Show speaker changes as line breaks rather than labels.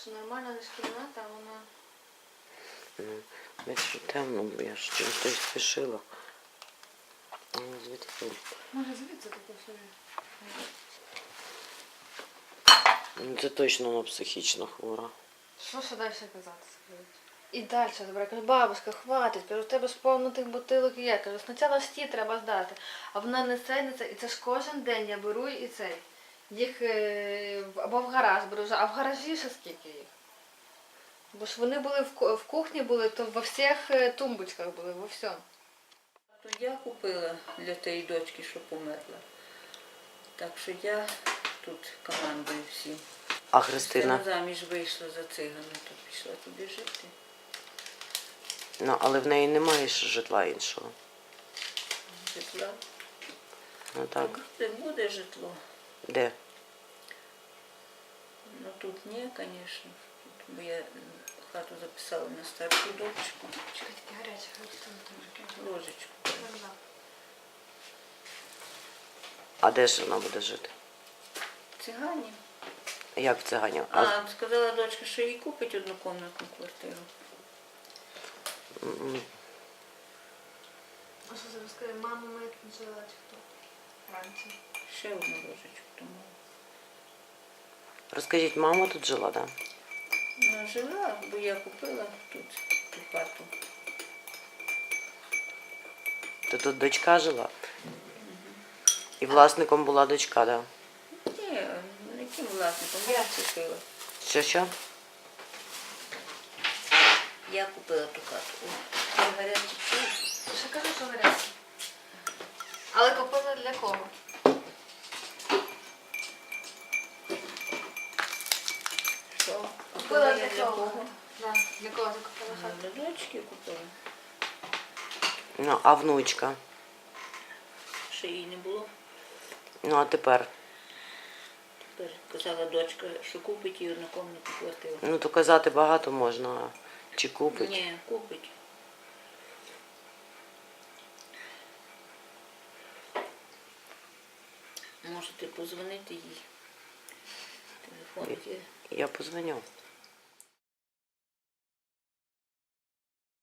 що нормальна лише кімната, а вона...
Бачиш, темно, бо я ж чимось спішила. Звідки?
Може звідси таке собі.
Це точно вона психічно хвора.
Що ще далі казати, скажіть? І далі, добре, кажу, бабуська, хватить, кажу, в тебе ж повно тих бутилок є, кажу, спочатку ж ті треба здати, а вона не це, і це ж кожен день я беру і цей. Їх або в гараж беру, а в гаражі ще скільки їх? Бо ж вони були в кухні, були, то во всіх тумбочках були, во всьому.
То я купила для тієї дочки, що померла. Так що я тут командую всім.
А Христина?
Вона заміж вийшла за цигана, то пішла туди жити.
Ну, але в неї немає ж житла іншого.
Житла.
Ну так.
Буде житло.
Де?
Ну тут ні, звісно. Бо я хату записала на старшу дочку.
Чекайте, гаряче,
Ложечку.
А де ж вона буде жити?
Цигані.
Як в циганів?
Сказала дочка, що їй купить однокомнатну квартиру.
А що зараз скажи, мама моя тут жила чи хто? Вранці.
Ще одну ложечку тому.
Розкажіть, мама тут жила, так? Да?
Ну, жила, бо я купила тут ту хату.
То тут дочка жила? І власником була дочка, так? Да?
Ні, яким власником? Я купила.
Що?
Я купила ту хату. Це гарячий чай.
Ще кажу, що гаряче. Але купила для кого?
Що?
Купила
я
для кого? Да. Для кого ти купила хату?
Для дочки купила.
Ну, а внучка?
Ще її не було.
Ну, а тепер?
Тепер казала дочка, що купить їй однокомнатну квартиру.
Ну, то казати багато можна, а чи купить?
Ні, купить. Можете позвонити їй. Телефон є.
Я позвоню.